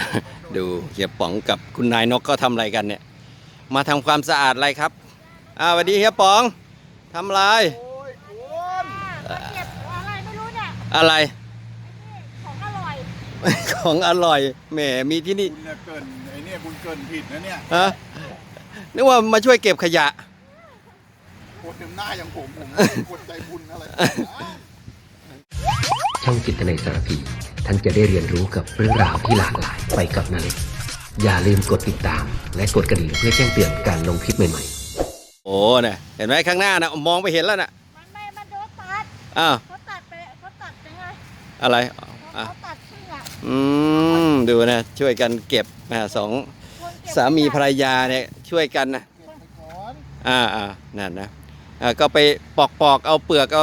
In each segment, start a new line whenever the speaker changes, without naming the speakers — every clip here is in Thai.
ดูเฮียป๋องกับคุณนายนกก็ทำอะไรกันเนี่ยมาทำความสะอาดอะไรครับสวัสดีเฮียป๋องทำอะไร
โอ้ยคุณ
เก็บอะไรไม่รู้เนี่ย
อะไร
ของอร่อย
ของอร่อยแหมมีที่นี่
คุณเนี่ยเกินไอ้เนี่ยคุณเกินผิดนะเนี่ย
ฮะนึกว่ามาช่วยเก็บขยะ
โคตรเต็มหน้าอย่างผมคนใจบุญอะไร
ช่องจิตนาสารพีท่านจะได้เรียนรู้กับเรื่องราวที่หลากหลายไปกับนาเล็กอย่าลืมกดติดตามและกดกระดิ่งเพื่อแจ้งเตือนการลงคลิปใหม่ๆ
โอ้เนี่ยเห็นไหมข้างหน้านะมองไปเห็นแล้วน่ะ
มันโดนตัด
อ้าว
เขาตัดยังไง
อะไร
เขาตัดครึ่งอ่ะ
ดูนะช่วยกันเก็บสองสามีภรรยาเนี่ยช่วยกันนะนั่นนะก็ไปปอกเอาเปลือกเอา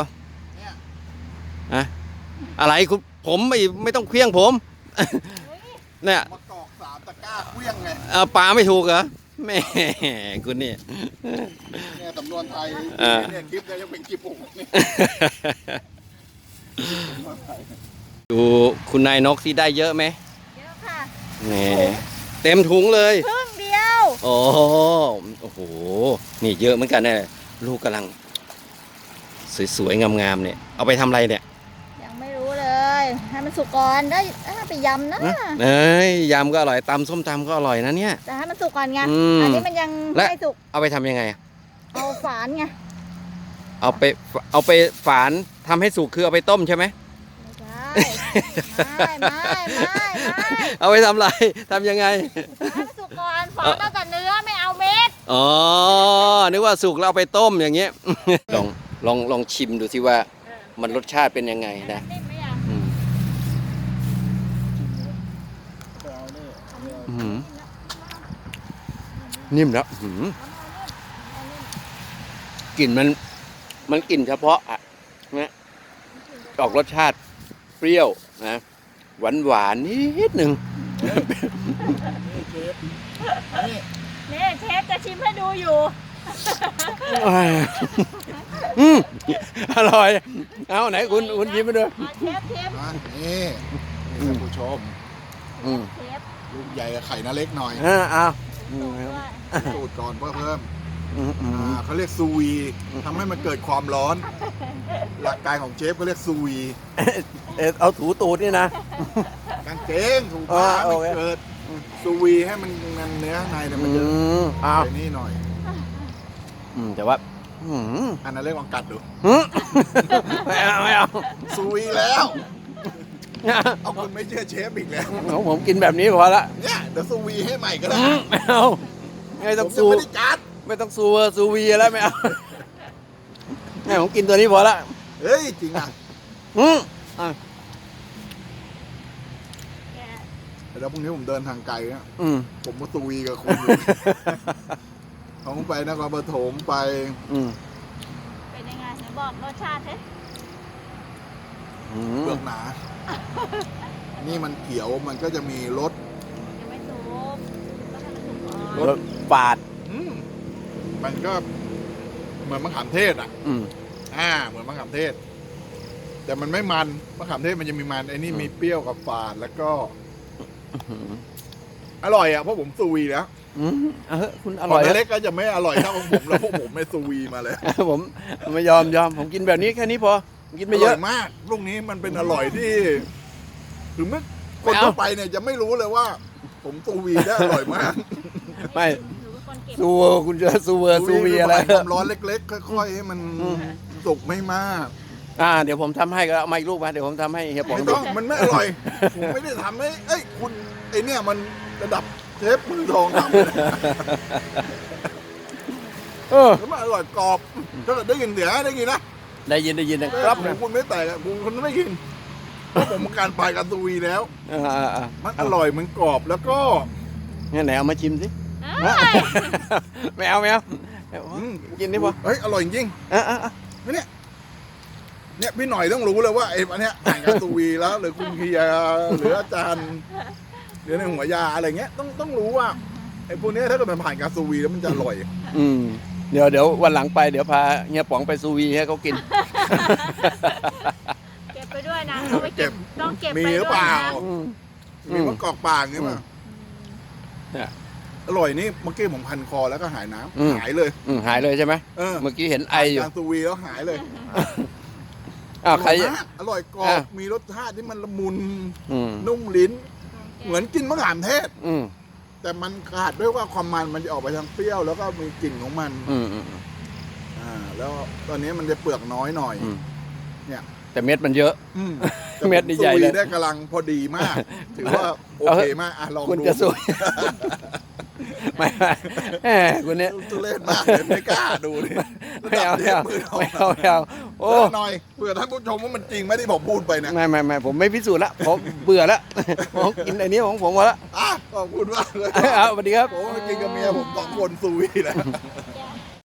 อะไรคุณผมไม่ต้องเคลี้ยงผมเนี่ย
มากอก3 ตะกร้าเคลี้ยงไง
ปลาไม่ถูกเหรอแม่คุณนี่
เนี่ยสำนวนไทยเนี่ยคลิปเนี่ยยังเป็นคลิปผมนี่
ดูคุณนายนกที่ได้เยอะไหม
เยอะค่ะ
นี่เต็มถุงเลย
ครึ่งเดียว
โอ้โหนี่เยอะเหมือนกันเนี่ยลูกกำลังสวยๆงามๆเนี่ยเอาไปทำอะไรเนี่ย
ยังไม่รู้เลยให้มันสุกก่อนได้ไปยำนะ
ยำก็อร่อยตำส้มตำก็อร่อยนะเนี่ย
แต่ให้มันสุกก่อนไงอันนี้มันยังไม่สุก
เอาไปทำยังไง
เอาฝานไง
เอาไปฝานทำให้สุกคือเอาไปต้มใช่ไหม
ไม่
เอาไปทำอะไรทำยังไง
ให้มันสุกก่อนฝานเอาแต่เนื้อไม่เอาเม็ด
นึกว่าสุกแล้วเอาไปต้มอย่างเงี้ยลองชิมดูสิว่ามันรสชาติเป็นยังไงนะนิ่มแล้วกลิ่นมันกลิ่นเฉพาะอ่ะนะออกรสชาติเปรี้ยวนะหวานนิดหนึ่ง
นี่เชฟจะชิมให้ดูอยู่
อร่อยเอาไหนคุณชิมไปด้วย
เชฟ
นี่ท่านผู้ชมลูกใหญ่กับไข่น่าเล็กหน่อยสูตรก่อนเพิ่มเขาเรียกซูวีทำให้มันเกิดความร้อนหลักการของเชฟเขาเรียกซูวี
เอาถูตูดนี่นะ
กางเกงถูผ้าไม่เกิดซูวีให้มันเนื้อในมันเยอะไปนี่หน่อย
แต่ว่า
อันนั้นเรียกว่ากัดดู
ไม่เอา
ซูวีแล้วเอาคุณไม่เชื่อเชฟอีกแล้ว
ผมกินแบบนี้พอละ
เนี่ยเดี๋ยวซูวีให้ใหม่ก็ได้
ไม่เอาไม่ต้องซูไม่ต้องซูวีแล้วไม่เอาเนี่ยผมกินตัวนี้พอละ
เฮ้ยจริงอ่ะแล้วพรุ่งนี้ผมเดินทางไกลนะผมมาซูวีกับคุณผมไปนครปฐมไป
เป็นยังไงไหนบอกรสชาติสิ
เปลือกหนานี่มันเขียวมันก็จะมีรส
ยังไม่สุก
รสฝาด
มันก็เหมือนมะขามเทศอ่ะเหมือนมะขามเทศแต่มันไม่มันมะขามเทศมันจะมีมันไอ้นี่มีเปรี้ยวกับฝาดแล้วก็อร่อยอ่ะเพราะผมซูวีแล้ว
คุณอร่อย
เล็กก็จะไม่อร่อยเท่าของผมแล้วพวกผมไม่ซูวีมาเลย
ผมไม่ยอมผมกินแบบนี้แค่นี้พอกินไม่เยอะ
มากลูกนี้มันเป็นอร่อยที่ถึงเมื่อคนทั่วไปเนี่ยจะไม่รู้เลยว่าผมซูวีได้อร่อยมาก
ไม่คุณจะซูวีอะไร
ความร้อนเล็กๆค่อยๆให้มันสุกไม่มาก
เดี๋ยวผมทำให้ก็เอามาอีกลูกมาเดี๋ยวผมทำให้เฮียป๋อง
ไม่ต้องมันไม่อร่อยผมไม่ได้ทำให้คุณไอเนี่ยมันระดับเชฟมือทองทำแล้วมันอร่อยกรอบถ้าเกิดได้ยินเสียงได้ยินนะ
ได้ยิน
ครับคุณไม่แตกคุณไม่กินผมการปลายการซูวีแล้วมันอร่อยมันกรอบแล้วก็
งั้นไหนเอามาชิมสิไม่เอากินนี่พอ
เฮ้ยอร่อยจริงเนี่ยพี่หน่อยต้องรู้เลยว่าไอ้อันเนี้ยผ่านการซูวีแล้วหรือคุณเคียหรืออาจารย์หรือในหัวยาอะไรเงี้ยต้องรู้ว่าไอ้พวกนี้ถ้าเกิดมันผ่านการซูวีแล้วมันจะอร่อย
เดี๋ยววันหลังไปเดี๋ยวพาเฮียป๋องไปซูวีให้เขากิน
เก็บไปด้วยนะเอาไปเก็บต้องเก็บ
มีหรือเปล่ามีมะกอกป่างนี่มั้ยอร่อยนี่เมื่อกี้ผมพันคอแล้วก็หายน้
อืม
ำหายเลย
หายเลยใช่ไหม
เ
เมื่อกี้เห็นไออยู่
การซูวีแล้วหายเลย
อ้าวใคร
อร่อยมากอร่อยกรอ
อ่ะ
บมีรสชาติที่มันละมุน
อืม
นุ่มลิ้น เหมือนกินมะขามเทศ
อืม
แต่มันขาดด้วยว่าความมันจะออกไปทางเปรี้ยวแล้วก็มีกลิ่นของมัน
อืม
แล้วตอนนี้มันจะเปลือกน้อยหน่อย
อืม
เนี่ย
แต่เม็ดมันเยอะ
อืม
เม็ดนี่ใหญ่เลย
ซูวีได้กำลังพอดีมาก ถือว่าโอเคมากลอง
คุณ
ดู
จะสวย ไม่แหมคุณเนี่ย
ทุเรศมากเลยไม่กล้าดูเลย
ไม่เอาไม่เอา
มือ
ไม่เอาไม่เอาโอ้
หน่อยเผื่อท่านผู้ชมว่ามันจริงไม่ได้ผมพูดไปนะ
ไม่ผมไม่พิสูจน์ละผมเบื่อละผมกินอันนี้ของผมหมดละ
ขอบคุณมากเลย
เอาสวัสดีครับ
ผมไปกินกับเมียผม2 คนซูวีแหละ